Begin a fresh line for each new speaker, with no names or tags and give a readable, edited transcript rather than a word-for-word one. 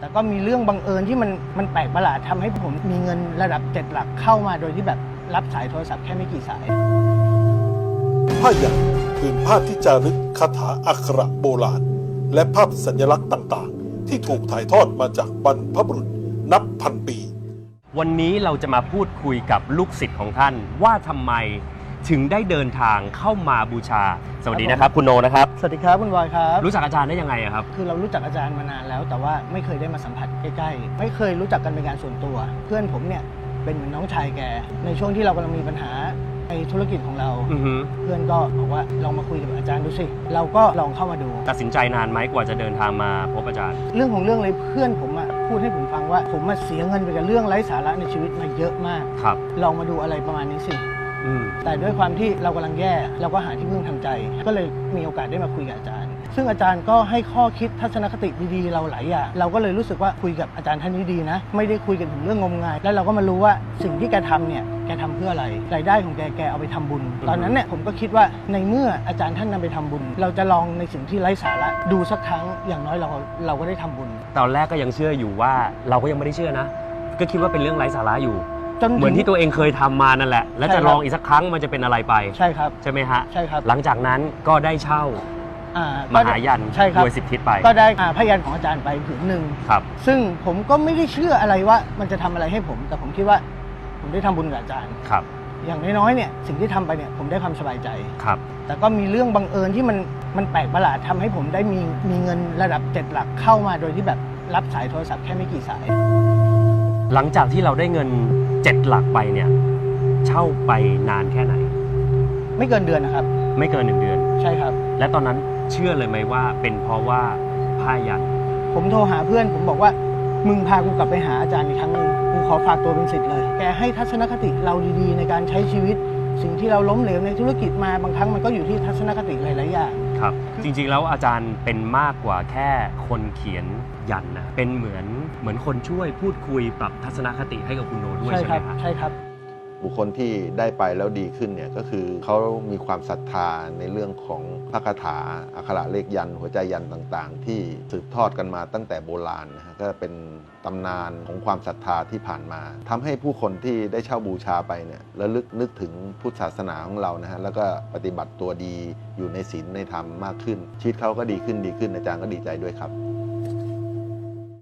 แต่ก็มีเรื่องบังเอิญที่มันแปลกประหลาดทำให้ผมมีเงินระดับ7 หลักเข้ามาโดยที่แบบรับสายโทรศัพท์แค่ไม่กี่สาย
ผ้ายันผืนผ้าที่จารึกคาถาอักขระโบราณและภาพสัญลักษณ์ต่างๆที่ถูกถ่ายทอดมาจากบรรพบุรุษนับพันปี
วันนี้เราจะมาพูดคุยกับลูกศิษย์ของท่านว่าทำไมถึงได้เดินทางเข้ามาบูชาสวัสดีนะครับคุณโนนะครับ
สวัสดีครับคุณบอยครับ
รู้จักอาจารย์ได้ยังไงครับ
คือเรารู้จักอาจารย์มานานแล้วแต่ว่าไม่เคยได้มาสัมผัสใกล้ๆไม่เคยรู้จักกันเป็นการส่วนตัวเพื่อนผมเนี่ยเป็นเหมือนน้องชายแกในช่วงที่เรากำลังมีปัญหาในธุรกิจของเราเพื่อนก็บอกว่าลองมาคุยกับอาจารย์ดูสิเราก็ลองเข้ามาดู
ตัดสินใจนานไหมกว่าจะเดินทางมาพบอาจารย์
เรื่องของเรื่องเลยเพื่อนผมพูดให้ผมฟังว่าผมมาเสียเงินไปกับเรื่องไร้สาระในชีวิตมาเยอะมาก
ครับ
ลองมาดูอะไรประมาณนี้สิแต่ด้วยความที่เรากำลังแย่เราก็หาที่พึ่งทางใจก็เลยมีโอกาสได้มาคุยกับอาจารย์ซึ่งอาจารย์ก็ให้ข้อคิดทัศนคติดีๆเราหลายอย่างเราก็เลยรู้สึกว่าคุยกับอาจารย์ท่านนี้ดีนะไม่ได้คุยกันถึงเรื่องงมงายแล้วเราก็มารู้ว่าสิ่งที่แกทำเนี่ยแกทำเพื่ออะไรรายได้ของแกเอาไปทำบุญตอนนั้นเนี่ยผมก็คิดว่าในเมื่ออาจารย์ท่านนำไปทำบุญเราจะลองในสิ่งที่ไร้สาระดูสักครั้งอย่างน้อยเราก็ได้ทำบุญ
ตอนแรกก็ยังเชื่ออยู่ว่าเราก็ยังไม่ได้เชื่อนะก็คิดว่าเป็นเรื่องไร้สาระอยู่เหมือนที่ตัวเองเคยทำมานั่นแหละและจะลองอีกสักครั้งมันจะเป็นอะไรไป
ใช่ครับ
ใช่ไหมฮะ
ใช่ครับ
หลังจากนั้นก็ได้เช่ามหายันโดย10 ทิศไป
ก็ได้พยัญของอาจารย์ไปผืนหนึ่ง
ครับ
ซึ่งผมก็ไม่ได้เชื่ออะไรว่ามันจะทำอะไรให้ผมแต่ผมคิดว่าผมได้ทำบุญกับอาจารย์
ครับ
อย่างน้อยๆเนี่ยสิ่งที่ทำไปเนี่ยผมได้ความสบายใจ
ครับ
แต่ก็มีเรื่องบังเอิญที่มันแปลกประหลาดทำให้ผมได้มีเงินระดับ7 หลักเข้ามาโดยที่แบบรับสายโทรศัพท์แค่ไม่กี่สาย
หลังจากที่เราได้เงิน7 หลักไปเนี่ยเช่าไปนานแค่ไหน
ไม่เกินเดือนนะครับ
ไม่เกิน1 เดือน
ใช่ครับ
และตอนนั้นเชื่อเลยไหมว่าเป็นเพราะว่าผ้ายัน
ผมโทรหาเพื่อนผมบอกว่ามึงพากูกลับไปหาอาจารย์อีกครั้งนึงกูขอฝากตัวเป็นศิษย์เลยแกให้ทัศนคติเราดีๆในการใช้ชีวิตสิ่งที่เราล้มเหลวในธุรกิจมาบางครั้งมันก็อยู่ที่ทัศนคติหลายๆอย่าง
ครับจริงๆแล้วอาจารย์เป็นมากกว่าแค่คนเขียนยันนะเป็นเหมือนคนช่วยพูดคุยปรับทัศนคติให้กับคุณโนด้วยใช่ไหมครับ
ใช่ครับ
บุคคลที่ได้ไปแล้วดีขึ้นเนี่ยก็คือเขามีความศรัทธาในเรื่องของพระคาถาอักขระเลขยันหัวใจยันต่างๆที่สืบทอดกันมาตั้งแต่โบราณนะฮะก็เป็นตำนานของความศรัทธาที่ผ่านมาทำให้ผู้คนที่ได้เช่าบูชาไปเนี่ยระลึกนึกถึงพุทธศาสนาของเรานะฮะแล้วก็ปฏิบัติตัวดีอยู่ในศีลในธรรมมากขึ้นชีวิตเขาก็ดีขึ้นอาจารย์ก็ดีใจด้วยครับ